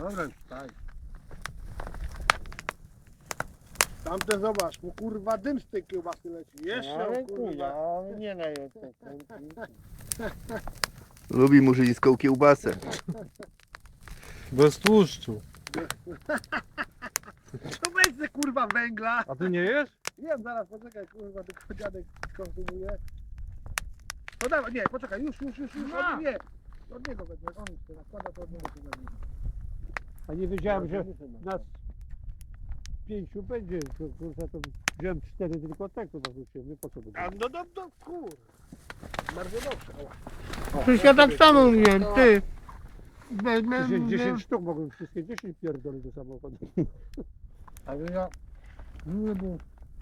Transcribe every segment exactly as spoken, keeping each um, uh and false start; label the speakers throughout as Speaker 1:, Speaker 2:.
Speaker 1: Dobra, już tak. Tamte zobacz, bo kurwa dym z tej kiełbasy leci. Jeszcze
Speaker 2: Ale
Speaker 1: kurwa.
Speaker 2: kurwa, on nie na jeszcze.
Speaker 3: Lubi murzyńską kiełbasę.
Speaker 4: Bez tłuszczu.
Speaker 1: To weź se kurwa węgla.
Speaker 4: A ty nie jesz?
Speaker 1: Wiem, zaraz poczekaj kurwa, tylko dziadek skonsumuje. No dawaj, nie, poczekaj, już, już, już, już,
Speaker 2: No.
Speaker 1: od, nie. Od niego wezmę, on już teraz nakłada, to od niego to wezmę.
Speaker 2: A nie wiedziałem, że nas pięciu będzie, to, kurwa, to wziąłem cztery tylko tego zarzuciłem, nie po co będzie.
Speaker 1: A no, no, no, kur. Bardzo dobrze. O.
Speaker 2: Przecież ja tak samo mówiłem, ty.
Speaker 1: dziesięć,
Speaker 2: dziesięć sztuk mogłem wszystkie dziesięć pierdolić do samochodu.
Speaker 1: Ale ja... Nie było.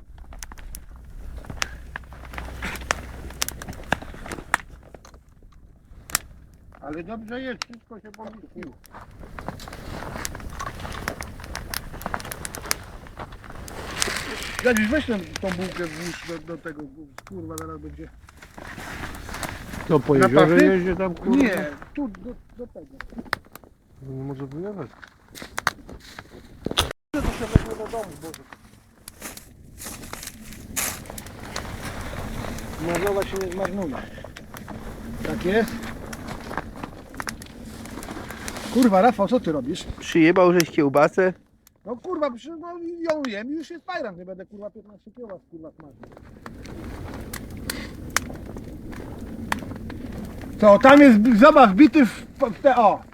Speaker 1: Ale dobrze jest, wszystko się pomieściło. Jadziś, weź tę, tą bułkę włóż do, do tego, kurwa, zaraz będzie.
Speaker 2: To po
Speaker 1: Na
Speaker 2: jeziorze
Speaker 1: pachy?
Speaker 2: jeździ tam, kurwa?
Speaker 1: Nie, tu, do, do tego.
Speaker 4: No nie może wyjechać.
Speaker 1: To się weźmie do domu, Boże. Marnowa się nie zmarnuje. Tak jest. Kurwa, Rafał, co ty robisz?
Speaker 3: Przyjebał żeś kiełbasę?
Speaker 1: No kurwa, przecież no, ją jem i już jest fajran, nie będę kurwa piętnaście kiełbas kurwa smażył. To tam jest, zobacz, bity w, w te, o,